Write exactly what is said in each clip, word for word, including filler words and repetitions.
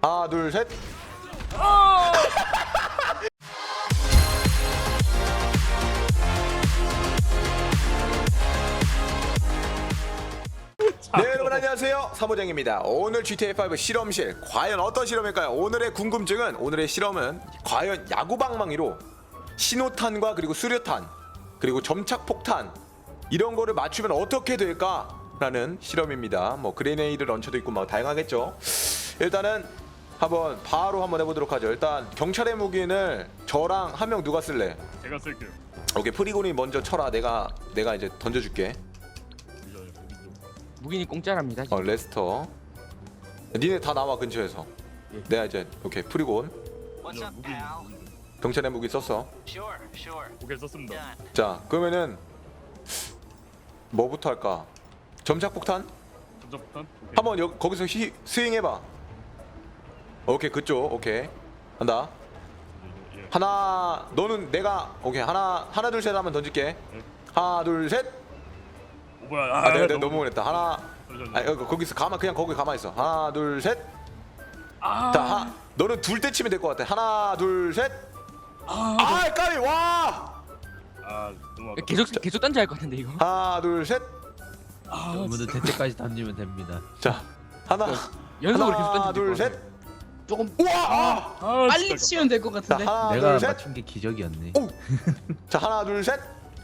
하나 둘 셋. 네 여러분 안녕하세요, 사모장입니다. 오늘 지티에이 파이브 실험실 과연 어떤 실험일까요? 오늘의 궁금증은, 오늘의 실험은 과연 야구방망이로 신호탄과 그리고 수류탄 그리고 점착폭탄 이런 거를 맞추면 어떻게 될까? 라는 실험입니다. 뭐 그레네이드 런처도 있고 뭐 다양하겠죠. 일단은 한번 바로 한번 해보도록 하죠. 일단 경찰의 무기는 저랑 한 명 누가 쓸래? 제가 쓸게요. 오케이, 프리곤이 먼저 쳐라. 내가 내가 이제 던져줄게. 무기는 공짜랍니다. 어 레스터. 니네 다 나와 근처에서. 예. 내가 이제 오케이 프리곤. What's up, 무기, pal? 무기. 경찰의 무기 썼어. Sure, sure. 오케이 썼습니다. Done. 자 그러면은 뭐부터 할까? 점착폭탄? 점점폭탄. 오케이. 한번 여, 거기서 히, 스윙해봐. 오케이 그쪽. 오케이 한다. 예, 예. 하나 너는 내가 오케이 하나 하나 둘 셋 하면 던질게. 하나 둘 셋. 오, 뭐야? 아, 내가, 내가 너무 못했다. 하나. 잠시만요. 아 여기 거기서 가만 그냥 거기 가만 있어. 하나 둘 셋. 아, 자 하, 너는 둘 때 치면 될 것 같아. 하나 둘 셋. 아 까비 와. 아 너무 아깝다. 계속 계속 던져야 할 것 같은데 이거. 하나 둘 셋. 여러분들 될 때까지 던지면 됩니다. 자 하나 연속으로 계속 하나 던지면 둘 될것 셋. 조금 우와. 아. 아, 빨리 진짜 치면 될 것 자 같은데. 하나 내가 둘 셋. 맞춘 게 기적이었네. 오. 자 하나 둘 셋.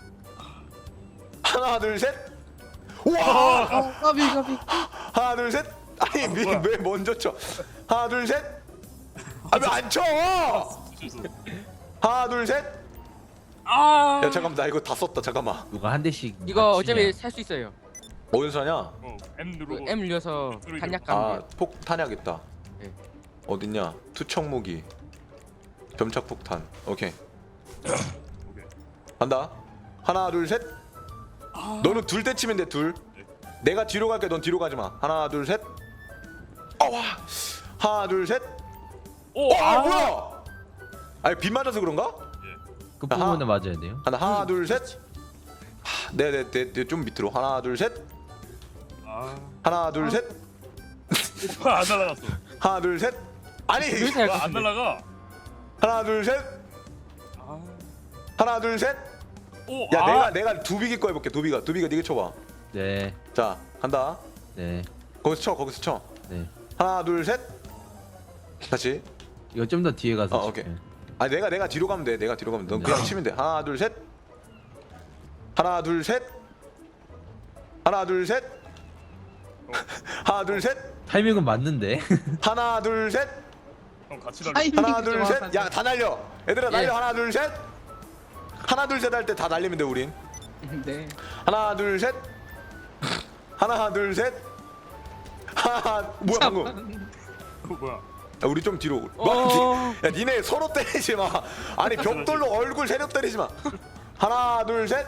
하나 둘 셋. 우와. 어, 까비 까비. 하나 둘 셋. 아니 왜, 뭐야? 왜 먼저 쳐? 하나 둘 셋. 아 왜 안 쳐? 실수. 하나 둘 셋. 아, 야 잠깐만 나 이거 다 썼다. 잠깐만. 누가 한 대씩. 이거 맞추냐. 어차피 살 수 있어요. 어디서 사냐? 어, M 그 누르고. M 눌려서 단약 가면 아 돼요. 폭탄약 있다. 네. 어딨냐? 투척 무기. 점착 폭탄. 오케이. 오케이. 간다. 하나 둘 셋. 너는 둘 때 치면 돼. 둘. 내가 뒤로 갈게. 넌 뒤로 가지 마. 하나 둘 셋. 어와. 하나 둘 셋. 오, 어, 아 뭐야? 아니 빗 맞아서 그런가? 그 부분에 맞아야 돼요. 하나 하나 둘 셋. 하, 네네 네, 좀 밑으로. 하나 둘 셋. 아, 하나 둘 셋. 뭐야, 안 날아갔어. 하나 둘 셋. 아니 그래서 할 것 뭐야, 안 같은데. 날아가. 하나 둘 셋. 아, 하나 둘 셋. 오, 야 아, 내가 내가 두비기 거 해볼게. 두비가 두비가 네가 쳐봐. 네, 자 간다. 네, 거기서 쳐. 거기서 쳐. 네. 하나 둘 셋. 다시. 이거 좀 더 뒤에 가서. 어, 오케이. 칠게요. 아 내가 내가 뒤로 가면 돼. 내가 뒤로 가면 돼. 넌 네. 그냥 치면 돼. 하나 둘 셋. 하나 둘 셋. 하나 둘 셋. 하나 둘 셋. 타이밍은 맞는데. 하나 둘 셋. 형 같이 날려. 타이밍이 하나 둘 셋. 정확하다. 야 다 날려. 얘들아 날려. 예. 하나 둘 셋. 하나 둘 셋 할 때 다 날리면 돼 우린. 네. 하나 둘 셋. 하나 둘 셋. 하나 뭐야 방금? 어, 뭐야? 야, 우리 좀 뒤로. 어. 뭐, 야 니네 서로 때리지 마. 아니 벽돌로 얼굴 세력 때리지 마. 하나 둘 셋.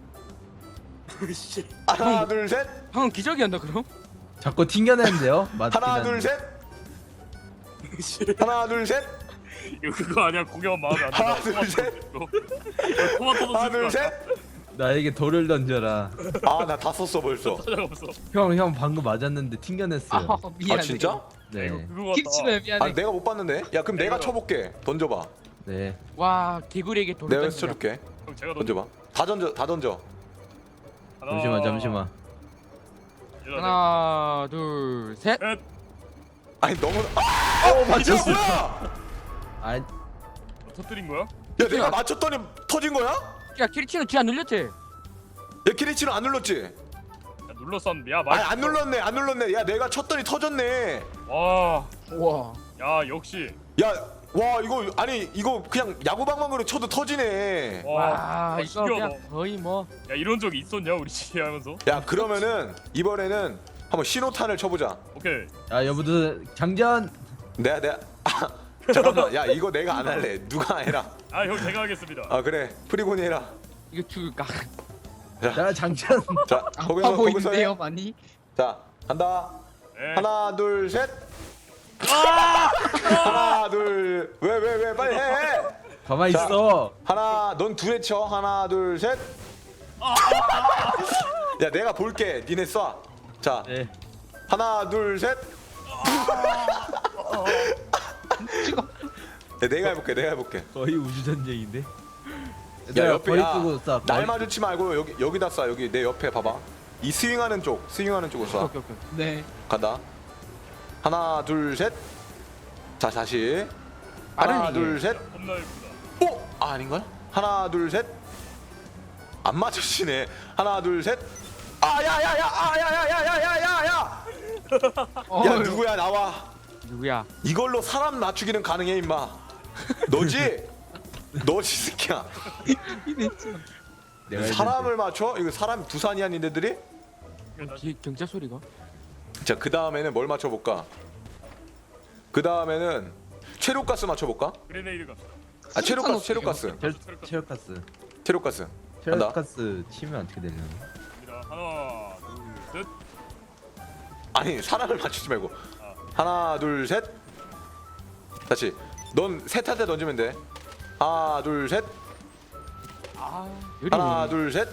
씨. 하나 둘 셋. 방금 기적이었나 그럼? 자꾸 튕겨내는데요. 맞긴 하나 둘 한데. 셋. 씨. 하나 둘 셋. 이거 그거 아니야? 공격 마음에 안 하나, 든다. 둘, 셋. 이거 토마토도 하나 둘 셋. 나에게 돌을 던져라. 아 나 다 썼어 벌써. 찾아가 없어. 형, 형 방금 맞았는데 튕겨냈어요. 아 미안해. 아 진짜? 네, 이거 그거 같다. 깁치면 미안해. 아 내가 못 봤는데. 야 그럼 내가 이거- 쳐볼게. 던져봐. 네. 와, 개구리에게 돌을 내가 던지자. 쳐줄게. 형 제가 던져. 던져봐. 다 던져. 다 던져. 하나, 잠시만, 잠시만. 얘들아, 하나, 둘, 셋. 넷. 아니 너무. 아! 어 맞췄어. 야 아, 뭐 터뜨린 거야? 내가 맞췄더니 터진 거야? 야, 키리치는 쥐안 눌렸지? 야 키리치는 안 눌렀지? 야, 눌렀었는데. 야, 아니 맞. 안 눌렀네. 안 눌렀네. 야 내가 쳤더니 터졌네. 와, 우와. 야 역시. 야 와 이거 아니 이거 그냥 야구방망이로 쳐도 터지네. 와, 와, 와 이거 그냥 신기하다. 거의 뭐. 야 이런 적 있었냐 우리 집에 하면서? 야 그러면은 이번에는 한번 신호탄을 쳐보자. 오케이. 야 여러분들 장전. 내가 내가 아, 잠깐만. 야 이거 내가 안 할래. 누가 해라. 아 형 제가 하겠습니다. 아 그래 프리곤이 해라. 이거 죽을까? 자, 장전. 자 아파 거기서 거기서 해. 보이는데요 많이. 자 간다. 네. 하나 둘 셋. 하나 둘. 왜 왜 왜 빨리 해. 해. 가만 자. 있어. 하나 넌 둘에 쳐. 하나 둘 셋. 야 내가 볼게. 니네 쏴. 자 네. 하나 둘 셋. 네, 내가 해볼게 내가 해볼게. 거의 우주 전쟁인데. 야 옆에 거리 야, 끄고 쏴. 날 거리- 마주치 말고 여기 여기다 쏴. 여기 내 옆에 봐봐. 이 스윙하는 쪽 스윙하는 쪽으로 쏴. 오케이 오케이. 네. 간다. 하나 둘 셋. 자 다시. 하나 빠르네, 둘 셋. 겁나 예쁘다. 오! 아, 아닌걸? 하나 둘 셋. 안 맞으시네. 하나 둘 셋. 아 야야야 아 야야야야야야야. 어, 야 누구야 나와. 누구야? 이걸로 사람 맞추기는 가능해 임마. 너지? 너지 새끼야. 내가 했는데. 사람을 맞춰? 이거 사람 두산이야 니네들이? 뒤에 경찰 소리가? 자 그 다음에는 뭘 맞춰볼까? 그 다음에는 체류가스 맞춰볼까? 그레네이드 갑시다. 아 체류가스 체류가스 체- 체력가스. 체류가스 간다. 체력가스 치면 어떻게 되려나? 갑니다. 하나, 둘, 셋. 아니 사람을 맞추지 말고 하나 둘 셋. 다시 넌 셋한테 던지면 돼. 하나 둘 셋. 아 요리. 하나 둘 셋.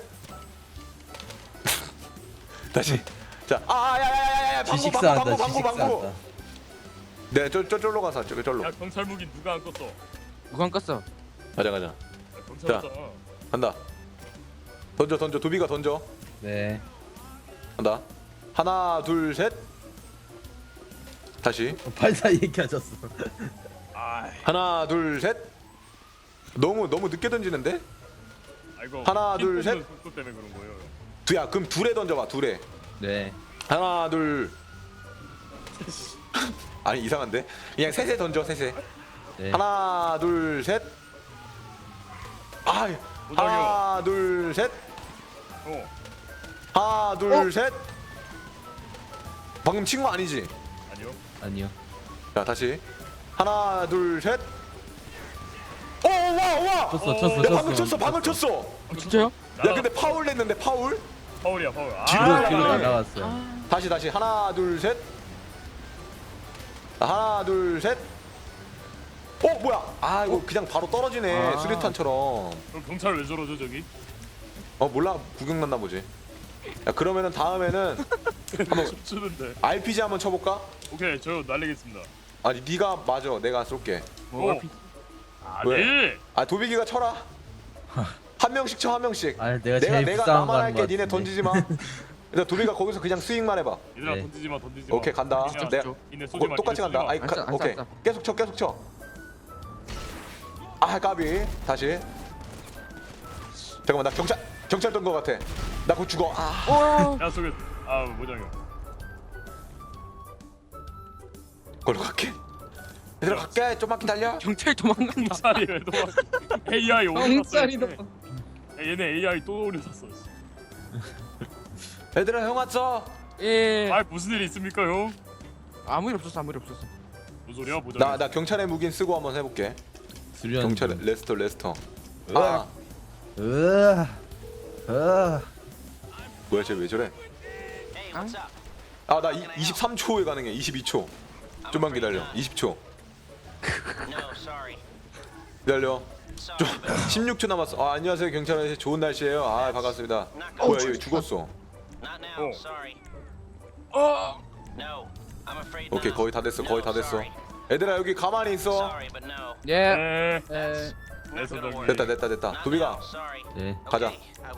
다시 자 아 야야야야야 방구 지식사한다. 방구 방구 방구 방구. 지식사한다. 네저 저절로 가서 저기 절로 야 경찰 무기 누가 안 껐어? 야, 누가 안 껐어? 가자 가자 경찰 자. 왔잖아. 간다. 던져 던져 도비가 던져. 네. 간다. 하나 둘 셋. 다시 팔 사이에 켜졌어. 아, 하나 둘 셋. 너무 너무 늦게 던지는데? 아이고. 하나, 둘, 셋. 속도 때문에 그런 거예요. 두야 그럼 둘에 던져봐 둘에. 네. 하나 둘. 아니 이상한데? 그냥 셋에 던져 셋에. 네. 하나 둘 셋. 아 하나 둘 셋. 어, 하나 둘 셋. 방금 친 거 아니지? 아니요. 아니요. 자 다시 하나 둘 셋. 오와와 쳤어, 어, 쳤어, 야 쳤어. 방금 쳤어 방금 쳤어. 아, 진짜요? 야 근데 파울 냈는데 파울? 파울이야 파울. 아, 뒤로, 뒤로 아, 뒤로 아, 날아갔어. 다시 다시 하나 둘 셋. 하나 둘 셋. 어 뭐야? 아 이거 그냥 바로 떨어지네 아. 수류탄처럼. 그럼 경찰 왜 저러죠 저기? 어 몰라 구경 났나 보지. 야 그러면은 다음에는 한번 춤추는데. 알피지 한번 쳐볼까? 오케이 저 날리겠습니다. 아니 네가 맞아 내가 쏠게. 뭐 어. 아니. 왜? 아 도비기가 쳐라. 한 명씩 쳐 한 명씩. 아, 내가 내가 제일 내가 불쌍한 나만 거 하는 할게 것 니네 같은데. 던지지 마. 일단 도비가 거기서 그냥 스윙만 해봐. 얘들아 네. 던지지 마 던지지 마. 오케이 간다. 그냥 내가 이네 쏘지 고, 마. 똑같이 이네 간다. 쏘지 마. 아이 안 가, 써, 안 써, 오케이 안 써. 계속 쳐 계속 쳐. 아 까비 다시. 잠깐만 나 경찰 경찰 던거 같아. 나 곧 죽어. 아. 어. 야 속에 아 모장이요. 걸로 갈게. 얘들아 갈게. 좀만 기다려. 경찰 도망간다. 경찰이 왜 도망? 에이아이 오류 경찰이다. 샀어. 얘네 에이아이 또 오류 샀어. 얘들아 형 왔어. 예. 아 무슨 일 있습니까 형? 아무 일 없었어 아무 일 없었어. 무슨 소리야 모장? 나 나 경찰의 무기는 쓰고 한번 해볼게. 수련. 경찰 레스터 레스터. 으악. 아 으아. 으아. 뭐야 쟤 왜 저래? 아 나 이십삼 초에 가능해. 이십이 초. 좀만 기다려. 이십 초. 기다려. 좀 십육 초 남았어. 아 안녕하세요 경찰 아저씨 좋은 날씨예요. 아 반갑습니다. 뭐야 얘 죽었어. 어. 오케이 거의 다 됐어 거의 다 됐어. 얘들아 여기 가만히 있어. 예. 네. 에, 네 소장님. 됐다 됐다 됐다. 도비가 네. 가자.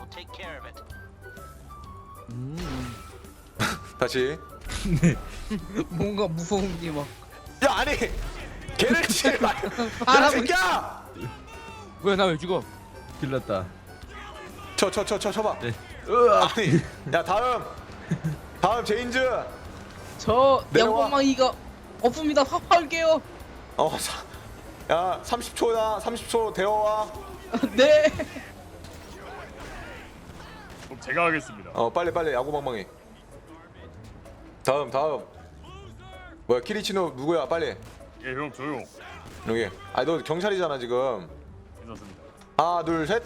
음. 다시. 뭔가 무서운 게 막. 야 아니 걔를 치지 마. 야 알아보- 새끼야. 뭐야 나 왜 죽어? 길렀다. 쳐 쳐 쳐 쳐 쳐봐. 네. 으아. 아니 야 다음 다음 제인즈. 저 내려와. 양봉망이가 없습니다. 화할게요. 어, 사, 야 삼십 초야 삼십 초 데워와. 네. 그럼 제가 하겠습니다. 어 빨리 빨리 야구방망이. 다음 다음. 뭐야 키리치노 누구야 빨리. 예 형 조용. 여기. 아니 너 경찰이잖아 지금. 괜찮습니다. 하나 둘 셋.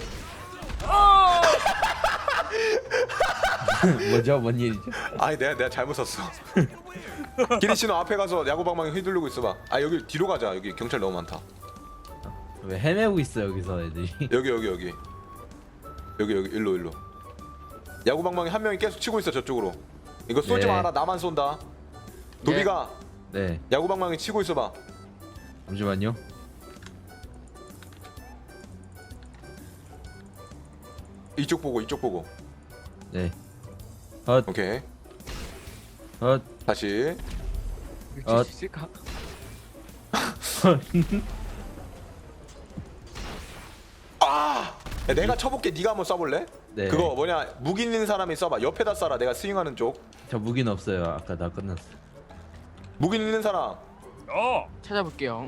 뭐죠? 뭔 일이죠? 아니 내가 내가 잘못 썼어. 키리치노 앞에 가서 야구방망이 휘두르고 있어봐. 아 여기 뒤로 가자. 여기 경찰 너무 많다. 왜 헤매고 있어 여기서 애들이? 여기 여기 여기. 여기 여기 일로 일로. 야구방망이 한 명이 계속 치고 있어 저쪽으로. 이거 쏘지 네. 마라 나만 쏜다. 도비가 네. 야구방망이 치고 있어봐. 잠시만요. 이쪽 보고 이쪽 보고. 네. 헛, 오케이. 헛, 다시. 이거 어. 칠수 있을까? 아! 야, 내가 쳐볼게. 네가 한번 쏴볼래? 네. 그거 뭐냐 무기 있는 사람이 쏴봐. 옆에다 쏴라. 내가 스윙하는 쪽. 저 무기는 없어요. 아까 다 끝났어. 무기 있는 사람 어. 찾아볼게요.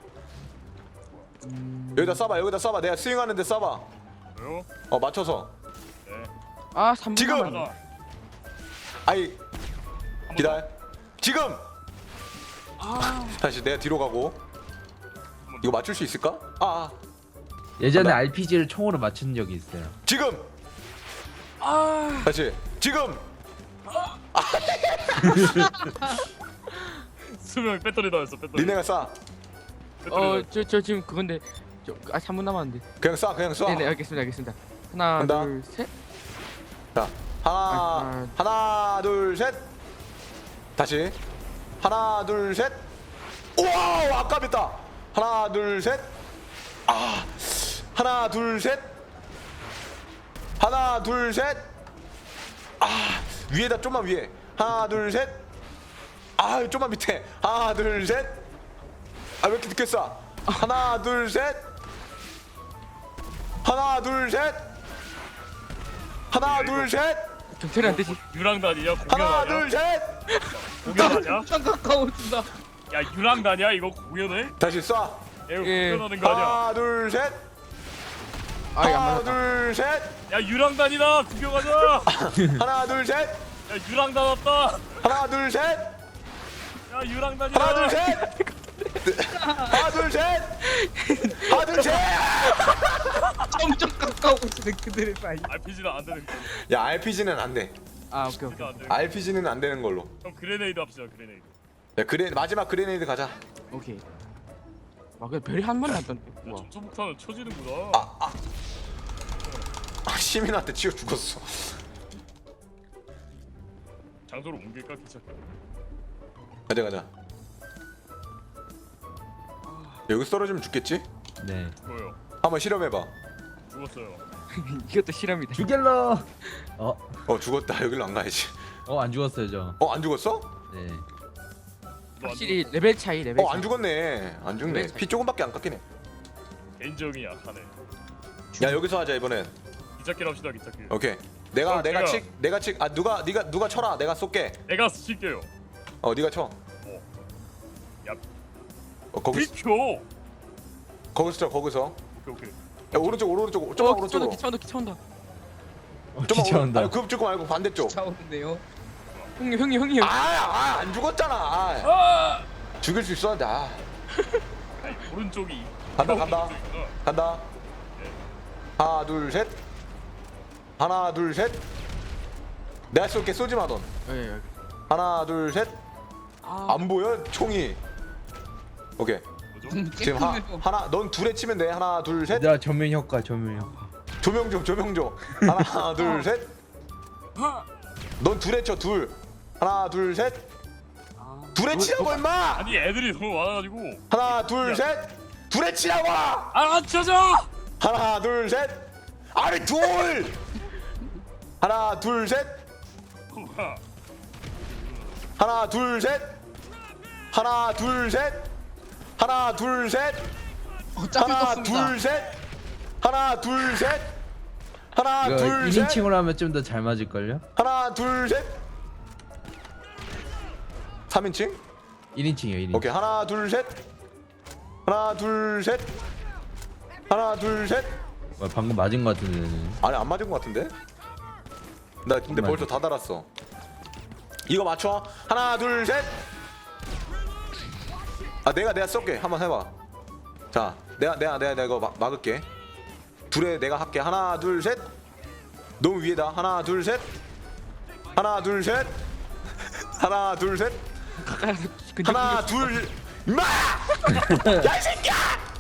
여기다 쏴봐. 여기다 쏴봐. 내가 스윙하는데 쏴봐. 왜요? 어 맞춰서. 네. 아 삼 분 지금! 남았네. 하나. 아이 한 기다려. 지금. 아 다시 내가 뒤로 가고. 이거 맞출 수 있을까? 아, 아. 예전에 나- 알피지를 총으로 맞춘 적이 있어요. 지금. 아. 다시. 지금. 수명 배터리 나왔어. 배터리. 니네가 쏴. 배터리 어 나왔어. 저 저 지금 그건데 저아 삼 분 남았는데. 그냥 쏴. 그냥 쏴. 네네 알겠습니다 알겠습니다. 하나 간다. 둘 셋. 자, 하나, 아, 하나, 둘, 셋. 다시. 하나, 둘, 셋. 우와, 아깝다. 하나, 둘, 셋. 아, 하나, 둘, 셋. 하나, 둘, 셋. 아, 위에다 좀만 위에. 하나, 둘, 셋. 아, 좀만 밑에. 하나, 둘, 셋. 아, 왜 이렇게 늦게 쏴? 하나, 둘, 셋. 하나, 둘, 셋. 하나, 둘, 셋. 경찰이 안 되지. 유랑단이냐? 공연 하나, 아니야? 둘, 셋. 공연 아니야? 엄청 가까워진다. 야 유랑단이야? 이거 공연해? 다시 쏴. 야 이거 예. 공연하는 거 아니야? 하나, 둘, 셋. 아이 안 하나, 맞았다. 둘, 셋. 야 유랑단이다. 구경하자. 하나, 둘, 셋. 야 유랑단 왔다. 하나, 둘, 셋. 야 유랑단이다. 하나, 둘, 셋. 하나, 둘, 셋. 하나, 둘, 셋. 점점 가까워지는 그들의 사이. 알피지는 안 되는 거. 야, 알피지는 안 돼. 아 오케이 오케이. 진짜 안 되는 거. 알피지는 안 되는 걸로. 그럼 그레네이드 합시다. 그레네이드. 야, 그래 마지막 그레네이드 가자. 오케이. 와 근데 별이 한 번 났던데. 야 우와. 점초폭탄은 쳐지는구나. 아, 시민한테 치여 죽었어. 장소로 옮길까 귀찮게. 가자, 가자. 여기 떨어지면 죽겠지? 네. 뭐요? 한번 실험해봐. 죽었어요. 이것도 실험이다. 죽일러. 어, 어, 죽었다. 여기로 안 가야지. 어 안 죽었어요 저. 어, 안 죽었어? 네. 너안 확실히 레벨 차이 레벨 어, 차이. 안 죽었네. 안 죽네. 피 조금밖에 안 깎이네. 죽- 개인정이 약하네. 야, 여기서 하자 이번엔. 기찻길 합시다. 기찻길. 오케이. 내가 어, 내가 제가- 칙 내가 칙. 아, 누가 네가 누가 쳐라. 내가 쏠게. 내가 칠게요. 어, 네가 쳐. 야 어, 거기 비켜. 거기서 쳐. 거기서. 오케이 오케이. 야, 오른쪽 오른쪽 어 좀만 기차온다 오른쪽으로. 기차온다 기차온다. 어, 좀만 기차 오른. 온다. 아니, 그 쪽 말고 반대쪽. 차오는데요. 형님 형님 형님. 아, 아, 안 죽었잖아. 아, 아! 죽일 수 있었는데. 아. 아니, 오른쪽이. 간다, 이거 간다. 오른쪽이구나. 간다. 하나, 둘, 셋. 하나, 둘, 셋. 내가 쏠게. 쏘지 마, 넌. 예, 예. 하나, 둘, 셋. 아, 안 보여? 총이. 오케이. 뭐죠? 지금 하, 하나, 넌 둘에 치면 돼. 하나, 둘, 셋. 야 전면 효과 전면 효과. 조명 좀, 조명 좀. 하나, 둘, 셋. 넌 둘에 쳐, 둘. 하나, 둘, 셋. 둘에 치라고 임마. 아니 애들이 너무 많아가지고. 하나, 둘, 야. 셋. 둘에 치라고. 아 쳐줘. 하나, 둘, 셋. 아니, 둘. 하나, 둘, 셋. 하나, 둘, 셋. 하나, 둘, 셋. 하나, 둘, 셋. 어차피 하나, 떴습니다. 둘, 셋. 하나, 둘, 셋. 하나, 이거 둘, 셋. 일인칭으로 하면 좀 더 잘 맞을 걸요? 하나, 둘, 셋. 삼인칭? 일인칭이요 일인칭. 오케이. 하나, 둘, 셋. 하나, 둘, 셋. 하나, 둘, 셋. 와, 방금 맞은 것 같은데. 아니, 안 맞은 것 같은데? 나 근데 맞아. 벌써 다 달았어. 이거 맞춰. 하나, 둘, 셋. 아, 내가 내가 쏠게. 한번 해봐. 자, 내가 내가 내가 내가 이거 막, 막을게. 둘에 내가 할게. 하나, 둘, 셋. 너무 위에다. 하나, 둘, 셋. 하나, 둘, 셋. 하나, 둘, 셋. 근데 하나, 둘. 임마! 야, 이 새끼야!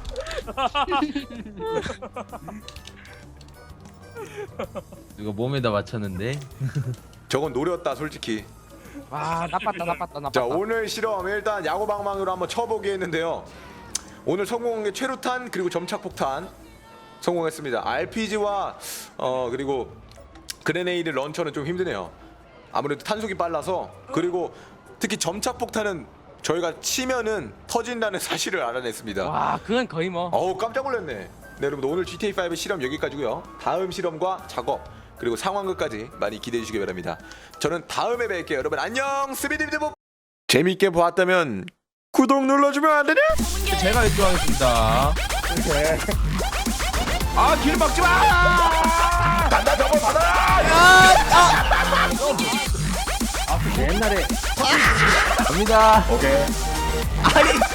이거 몸에다 맞췄는데. 저건 노렸다, 솔직히. 와 나빴다 나빴다 나빴다. 자, 오늘 실험 일단 야구방망이로 한번 쳐보기 했는데요. 오늘 성공한 게 최루탄 그리고 점착폭탄. 성공했습니다. 알피지와 어 그리고 그레네이드 런처는 좀 힘드네요. 아무래도 탄속이 빨라서 그리고 특히 점착 폭탄은 저희가 치면은 터진다는 사실을 알아냈습니다. 와 그건 거의 뭐 어우 깜짝 놀랐네. 네 여러분 오늘 지티에이 파이브 실험 여기까지고요. 다음 실험과 작업 그리고 상황극까지 많이 기대해 주시기 바랍니다. 저는 다음에 뵐게요. 여러분 안녕. 스비디비디보. 재밌게 보았다면 구독 눌러주면 안 되냐? 제가 일조하겠습니다. 아길 막지 마. 단다 저거 받아라. 갑니다. 오케이. 아니